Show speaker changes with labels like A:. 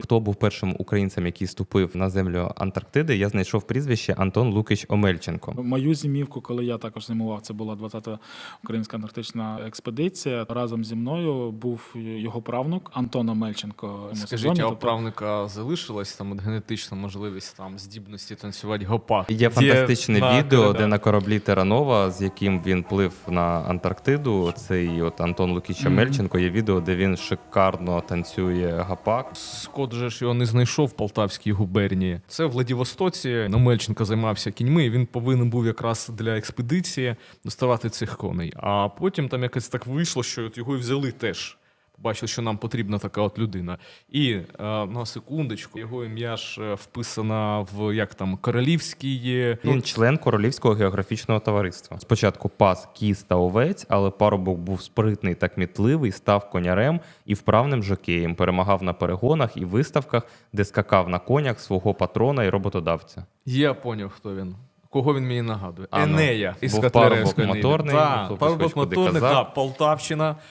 A: Хто був першим українцем, який ступив на землю Антарктиди, я знайшов прізвище Антон Лукич Омельченко.
B: Мою зимівку, коли я також зимував, це була 20-та українська антарктична експедиція. Разом зі мною був його правнук Антон Омельченко.
C: Скажіть, а у правнука залишилась там от генетична можливість там здібності танцювати гопак?
A: Є фантастичне відео, де на кораблі Терранова, з яким він плив на Антарктиду, цей от Антон Лукич Омельченко, є відео, де він шикарно танцює гопак.
C: Скот же ж його не знайшов в Полтавській губернії. Це в Владивостоці. Омельченко займався кіньми, і він повинен був якраз для експедиції доставати цих коней. А потім там якось так вийшло, що от його і взяли теж. Бачили, що нам потрібна така от людина. І на секундочку, його ім'я ж вписано в як там королівський...
A: Він член Королівського географічного товариства. Спочатку пас кіз та овець, але парубок був спритний та кмітливий, став конярем і вправним жокеєм, перемагав на перегонах і виставках, де скакав на конях свого патрона і роботодавця.
C: Я поняв, хто він. Кого він мені нагадує?
A: А, ну,
C: Енея із
A: був
C: Котляревської
A: парубок моторний,
C: Так,
A: хлопець
C: парубок
A: хоч куди
C: моторний,
A: казав.
C: так, Полтавщина.